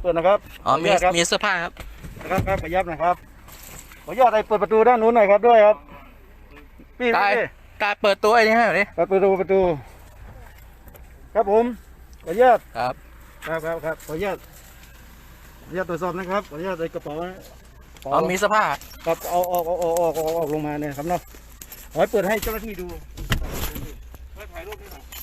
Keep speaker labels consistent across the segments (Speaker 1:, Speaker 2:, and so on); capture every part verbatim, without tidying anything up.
Speaker 1: เปิดนะครับ
Speaker 2: อ๋อมีมีเสื้อผ้าครับ
Speaker 1: นะครับครับขยับนะครับขออนุญาตไอ้เปิดประตูด้านนู้นหน่อยครับด้วยครับพี่
Speaker 2: ตายตายเปิดตัวไอ้นี่ให้หน่อยดิ
Speaker 1: เปิดประตูประตูครับผมขออนุญาต
Speaker 2: ครับ
Speaker 1: ครับครับครับขออนุญาตขออนุญาตตรวจสอบนะครับขออนุญาตในกระเป๋า
Speaker 2: อ๋อมีเสื้อผ้า
Speaker 1: ครับเอาออกออกออกออกออกลงมาเนี่ยครับเนาะขอให้เปิดให้เจ้าหน้าที่ดูถ่ายรูปนี่หน่อย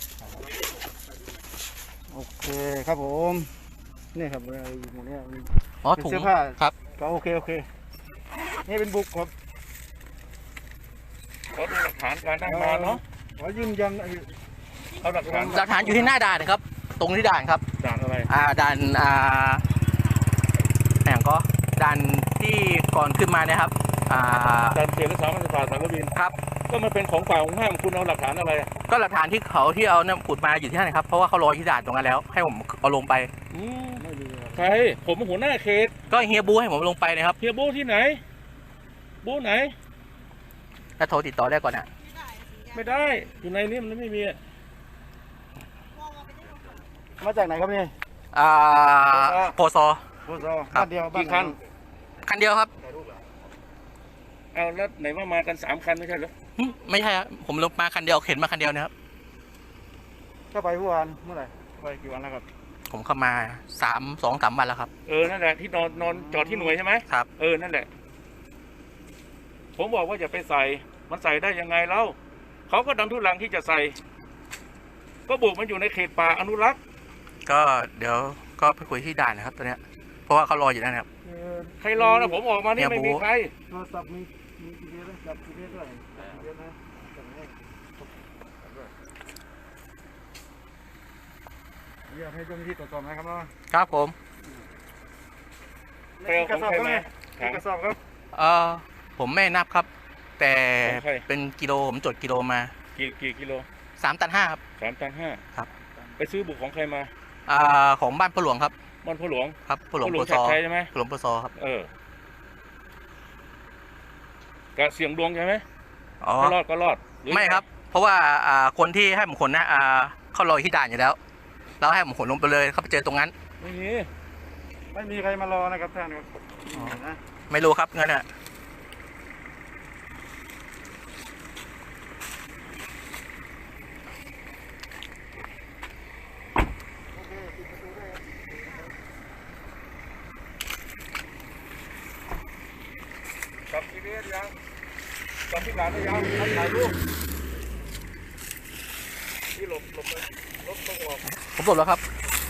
Speaker 1: โอเคครับผมนี่ครับอะไรหมดเนี่ย
Speaker 2: อ๋อถุงเสื้อผ้าครับ
Speaker 1: ก็โอเคโอเคนี่เป็นบุกครับ
Speaker 3: ขอดูหลักฐานการตั้งด่านเนาะ
Speaker 1: ขอยืนยัน
Speaker 3: เอาหลักฐาน
Speaker 2: หลักฐานอยู่ที่หน้าด่านครับตรงที่ด่านครับ
Speaker 3: ด่านอะไร
Speaker 2: อ่าด่านอ่าแหมก็ด่านที่ก่อนขึ้นมาเนี่ยครับอ่า
Speaker 3: ด่านเขตรักษาพันธุ์สัตว์สารวิน
Speaker 2: ครับ
Speaker 3: ก็มันเป็นของฝ่ายของห้ามคุณเอาหลักฐานอะไร
Speaker 2: ก็หลักฐานที่เขาที่เอาเนี่ยขุดมาอยู่ที่นั่นครับเพราะว่าเขารอที่ด่านตรงนั้นแล้วให้ผมเอาลงไป
Speaker 3: ใครผมหัวหน้าเขต
Speaker 2: ก็เฮียบูให้ผมลงไปนะครับ
Speaker 3: เฮียบูที่ไหนบูไหน
Speaker 2: ถ้าโทรติดต่อได้ก่อนนะ
Speaker 3: ไม่ได้อยู่ในนี้มันไม่มี
Speaker 1: มาจากไหนครับนี่
Speaker 2: อ่าโพซอ
Speaker 1: โพซอบ้านเดียว
Speaker 3: กี่คัน
Speaker 2: คันเดียวครับ
Speaker 3: เอาแล้วไหนว่ามากันสามคันไม่ใช่เหรอ
Speaker 2: ไม่ใช่ครับผมลงมาคันเดียวเข็นมาคันเดียวนะครับ
Speaker 1: เข้าไปเมื่อวานเมื่อไหร่ไปกี่วันแล้วครับ
Speaker 2: ผมเข้ามาสามสองสามวันแล้วครับ
Speaker 3: เออนั่นแหละที่นอนนอนจอดที่หน่วยใช่ไหม
Speaker 2: ครับ
Speaker 3: เออนั่นแหละผมบอกว่าอย่าไปใส่มันใส่ได้ยังไงเล่าเขาก็ดันทุลังที่จะใส่ก็บุกมันอยู่ในเขตป่าอนุรักษ์
Speaker 2: ก็เดี๋ยวก็ไปคุยที่ด่านนะครับตอนเนี้ยเพราะว่าเขารออยู่นั่นครับ
Speaker 3: ใครรอนะผมออกมานี่ไม่มีใคร
Speaker 1: โทรศัพท์มีมีจีพีเอสจับจีพีเอสด้วยจีพีเอสนะอยากให้เจ้าหน้าที่ตรวจสอบนะครับเนาะ
Speaker 2: ครับผม
Speaker 1: กระสอบก็ไหมกระสอบครับ
Speaker 2: เออผมไม่นับครับแต่เป็นกิโลผมจดกิโลมา
Speaker 3: กี่กี่กิโล
Speaker 2: สามตันห้าครับ
Speaker 3: สามตันห้า
Speaker 2: ครับ
Speaker 3: ไปซื้อบุกของใครมา
Speaker 2: อ่าของบ้านพ่อหลวงครับ
Speaker 3: บ้านพ่อหลวง
Speaker 2: ครับพ่อหลวงพ่อซอใช่ไหมพ่อหลวงพ่อซอครับ
Speaker 3: เออก็เสี่ยงดวงใช่ไหม
Speaker 2: อ๋อ
Speaker 3: รอดก็รอด
Speaker 2: ไม่ครับเพราะว่าอ่าคนที่ให้ผมขนนะอ่าเขารอที่ด่านอยู่แล้วแล้วให้ผมขนลงไปเลยเขาไปเจอตรงนั้น
Speaker 1: ไม่มีไม่มีใครมารอนะครับท่านครับ
Speaker 2: ไม่รู้ครับงั้นอ่ะ
Speaker 3: จับทีนี้ยังจับที่หลานได้ยังถ่ายรูปที่หลบหลบไปรถต้องออก
Speaker 2: ผมหลบแล้วครับ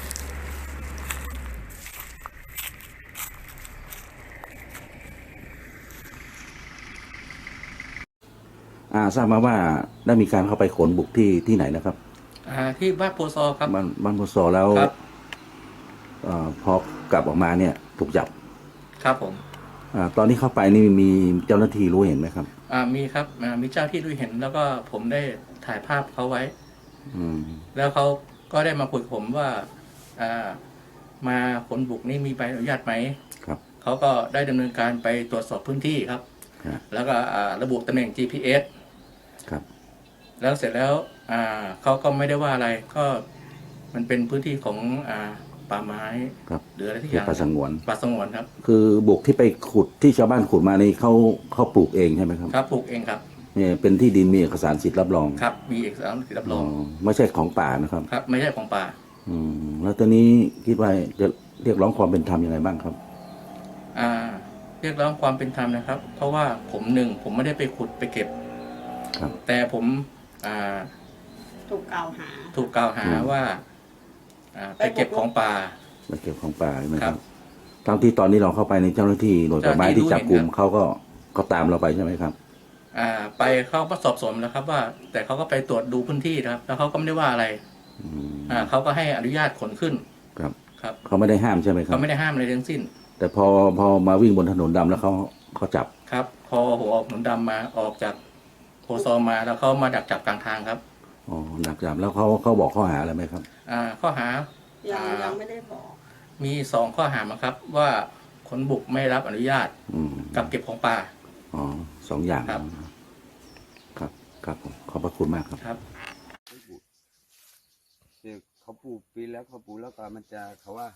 Speaker 4: อ่าทราบมาว่าได้มีการเข้าไปขนบุกที่ที่ไหนนะครับ
Speaker 2: อ่าที่บ้านโพซอครับ
Speaker 4: บ้านบ้านโพซอแล้วอ่าพอกลับออกมาเนี่ยถูกจับ
Speaker 2: ครับผม
Speaker 4: อ่าตอนที่เข้าไปนี่มีเจ้าหน้าที่รู้เห็นไหมครับ
Speaker 2: อ่ามีครับอ่ามีเจ้าที่รู้เห็นแล้วก็ผมได้ถ่ายภาพเขาไว้
Speaker 4: อืม
Speaker 2: แล้วเขาก็ได้มาคุยกับผมว่าอ่ามาขนบุกนี่มีใบอนุญาตไหม
Speaker 4: ครับ
Speaker 2: เขาก็ได้ดำเนินการไปตรวจสอบพื้นที่ครับแล้วก็ระบุตำแหน่ง จี พี เอส
Speaker 4: ครับ
Speaker 2: แล้วเสร็จแล้วอ่าเขาก็ไม่ได้ว่าอะไรก็มันเป็นพื้นที่ของอ่าป่าไม้หรืออะไรที่อย่าง
Speaker 4: ป่าสงวน
Speaker 2: ป่าสงวนครับ
Speaker 4: คือบุกที่ไปขุดที่ชาวบ้านขุดมานี่เขาเขาปลูกเองใช่ไหมครับ
Speaker 2: ครับปลูกเองครับ
Speaker 4: เนี่ยเป็นที่ดินมีเอกสารสิทธิ์รับรอง
Speaker 2: ครับมีเอกสารสิทธิ์รับรอง
Speaker 4: ไม่ใช่ของป่านะครับ
Speaker 2: ครับไม่ใช่ของป่า
Speaker 4: อืมแล้วตอนนี้คิดว่าจะเรียกร้องความเป็นธรรมยังไงบ้างครับ
Speaker 2: อ่าเรียกร้องความเป็นธรรมนะครับเพราะว่าผมหนึ่งผมไม่ได้ไปขุดไปเก็บ
Speaker 4: ครับ
Speaker 2: แต่ผมอ่า
Speaker 5: ถูกกล่าวหา
Speaker 2: ถูกกล่าวหาว่าอ่าไปเก็บของป่า
Speaker 4: ไปเก็บของป่าใช่ไหมครับทั้งที่ตอนนี้เราเข้าไปในเจ้าหน้าที่หน่วยป่าไม้ที่จับกลุ่มเขาก็ก็ตามเราไปใช่ไหมครับ
Speaker 2: อ่าไปเขาก็สอบสวนแล้วครับว่าแต่เขาก็ไปตรวจดูพื้นที่นะครับแล้วเขาก็ไม่ได้ว่าอะไรอ่าเขาก็ให้อนุญาตขนขึ้น
Speaker 4: ครับ
Speaker 2: ครับ
Speaker 4: เขาไม่ได้ห้ามใช่ไหมครับ
Speaker 2: เขาไม่ได้ห้ามอะไรทั้งสิ้น
Speaker 4: แต่พอพอมาวิ่งบนถนนดำแล้วเขาเขาจับ
Speaker 2: ครับพอหัวออกถนนดำมาออกจากโพซอมาแล้วเขามาดักจับกลางทางครับ
Speaker 4: อ๋อดักจับแล้วเขาเขาบอกข้อหาอะไรไหมครับ
Speaker 2: อ่าข้อหา
Speaker 5: ยังยังไม่ได้บอก
Speaker 2: มีสองข้อหาครับว่าขนบุกไม่รับอนุญาตกับเก็บของป่า
Speaker 4: อ๋อสองอย่าง
Speaker 2: ครับ
Speaker 4: ครับครับผมขอบพระคุณมากครับ
Speaker 2: ครับ
Speaker 6: เขาปลูกปีแล้วเขาปลูกแล้วก็มันจะเขาว่า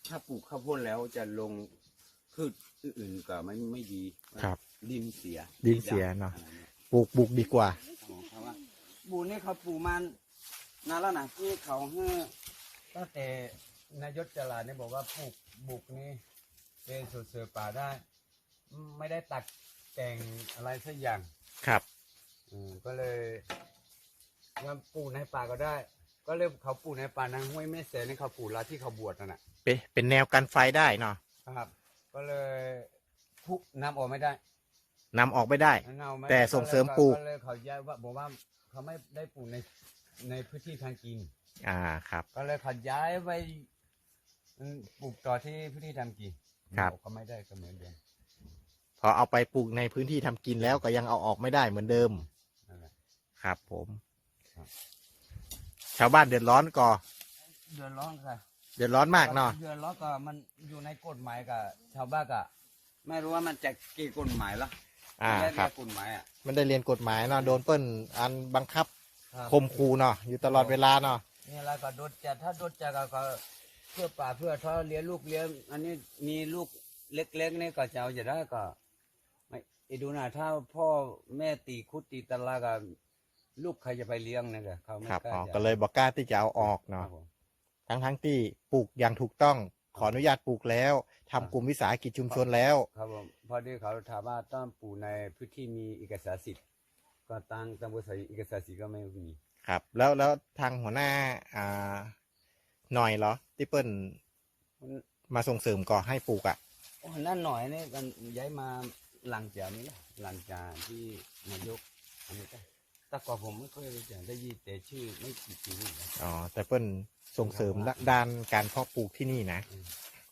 Speaker 6: ถ้าปลูกข้าวโพดแล้วจะลงพืชอื่นๆก็ไม่ไม่ดี
Speaker 7: ครับ
Speaker 6: ดินเสีย
Speaker 7: ดินเสียเนาะ
Speaker 6: อะไรเนี่ย
Speaker 7: ปลูกบุกดีกว่า
Speaker 6: อ๋อเพราะว่าปลูกนี่เขาปลูกมานานแล้วนะที่เขาให้ตั้งแต่นายศจราเนี่ยบอกว่าปลูกบุกนี่เป็นสวนเสือป่าได้ ไม่ได้ตัดแต่งอะไรสักอย่าง
Speaker 7: ครับ
Speaker 6: อืมก็เลยว่าปลูกในป่าก็ได้ ก็เลยเขาปลูกในป่านางห้วยแม่เสนนี่เขาปลูกละที่เขาบวชนั่นแหะ
Speaker 7: เป็นเป็นแนวกันไฟได้เนาะ
Speaker 6: ครับ ก็เลยทุกน้ำออกไม่ได้
Speaker 7: นำออกไม่ได้
Speaker 6: น้ำออกไม่ได้
Speaker 7: แต่ส่งเสริมปลูก
Speaker 6: ก็เลยเขาย้ายว่าบอกว่าเขาไม่ได้ปลูกในในพื้นที่ทางกิน
Speaker 7: อ่าครับ
Speaker 6: ก็เลยเขาย้ายไปอืมปลูกต่อที่พื้นที่ทำกิน
Speaker 7: ครับ
Speaker 6: ก็ไม่ได้ก็เหมือนเดิม
Speaker 7: พอเอาไปปลูกในพื้นที่ทำกินแล้วก็ยังเอาออกไม่ได้เหมือนเดิม
Speaker 6: นั่นแหละ
Speaker 7: ครับผม
Speaker 6: ครับ
Speaker 7: ชาวบ้านเดือดร้อนก่อ
Speaker 6: เดือดร้อนค่ะ
Speaker 7: เดือดร้อนมากเนาะ
Speaker 6: เดือดร้อนก็มันอยู่ในกฎหมายกับชาวบ้านก็ไม่รู้ว่ามันจะกี่กฎหมายละ
Speaker 7: อ่า
Speaker 6: ไม่ได้
Speaker 7: ครับ
Speaker 6: เรียกกฎหมายอ่ะ
Speaker 7: มันได้เรียนกฎหมายเนาะโดนเปิ้ลอันบังคับ
Speaker 6: ครับ
Speaker 7: คมคูเนาะอยู่ตลอดเวลาเนาะ
Speaker 6: นี่แล้วก็โดนจัดถ้าโดนจัดก็ก็เพื่อป่าเพื่อท้อเลี้ยงลูกเลี้ยงอันนี้มีลูกเล็กๆนี่ก็จะเอาจะได้ก็ไม่ไอ้ดูนะถ้าพ่อแม่ตีคุดตีตะลากับลูกใครจะไปเลี้ยงเนี่ยก็เขาไม่
Speaker 7: ครับ
Speaker 6: กล้า
Speaker 7: อ๋อ
Speaker 6: จะ
Speaker 7: ก็เลยบอกกล้าที่จะเอาออก
Speaker 6: ค
Speaker 7: เนาะ
Speaker 6: รับผม
Speaker 7: ทั้งทั้งที่ปลูกอย่างถูกต้องขออนุญาตปลูกแล้วทำกลุ่มวิสาหกิจชุมชนแล้ว
Speaker 6: ครับผมพอดีเขาถามว่าต้องปลูกในพื้นที่มีเอกสารสิทธิ์ก็ตั้งตามบริษัทเอกสารสิทธิ์ก็ไม่มี
Speaker 7: ครับ แล้วแล้วทางหัวหน้าอ่าหน่อยเหรอที่เปิ้ลมาส่งเสริมก่อให้ปลูกอ่ะ
Speaker 6: โอ้นั่นหน่อยนี่กันย้ายมาหลังจากนี้แหละหลังจากที่นายกอันนี้ก็แต่ก่อนผมไม่เคยรู้จักได้ยินแต่ชื่อไม่กี่ปีนี่นะ
Speaker 7: อ๋อแต่เปิ้ลส่งเสริมด้านการเพาะปลูกที่นี่นะ
Speaker 6: อืม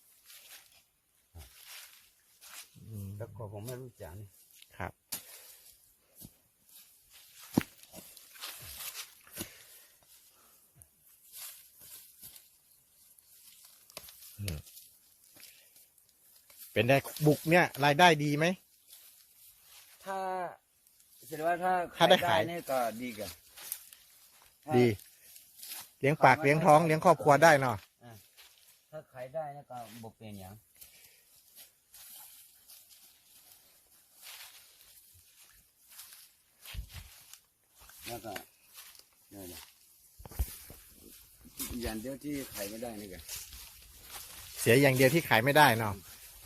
Speaker 7: อืม
Speaker 6: แต่ก่อนผมไม่รู้จักนี่
Speaker 7: ครับอืมเป็นได้บุกเนี่ยรายได้ดีไหม
Speaker 6: ถ้าแสดงว่าถ้า
Speaker 7: ถ้าได้ขาย
Speaker 6: นี่ก็ดีกันถ้า
Speaker 7: ดี เลี้ยงปากเลี้ยงท้องเลี้ยงครอบครัวได้เนาะ
Speaker 6: อ่ะถ้าขายได้นี่ก็บกเป็นอย่างแล้วก็เนี่ยนะอย่างเดียวที่ขายไม่ได้นี่กัน
Speaker 7: เสียอย่างเดียวที่ขายไม่ได้เนาะ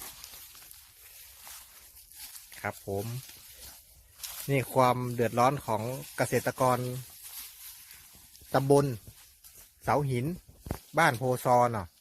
Speaker 7: ครับผม นี่ความเดือดร้อนของเกษตรกรตำบลเสาหิน บ้านโพซอเนาะ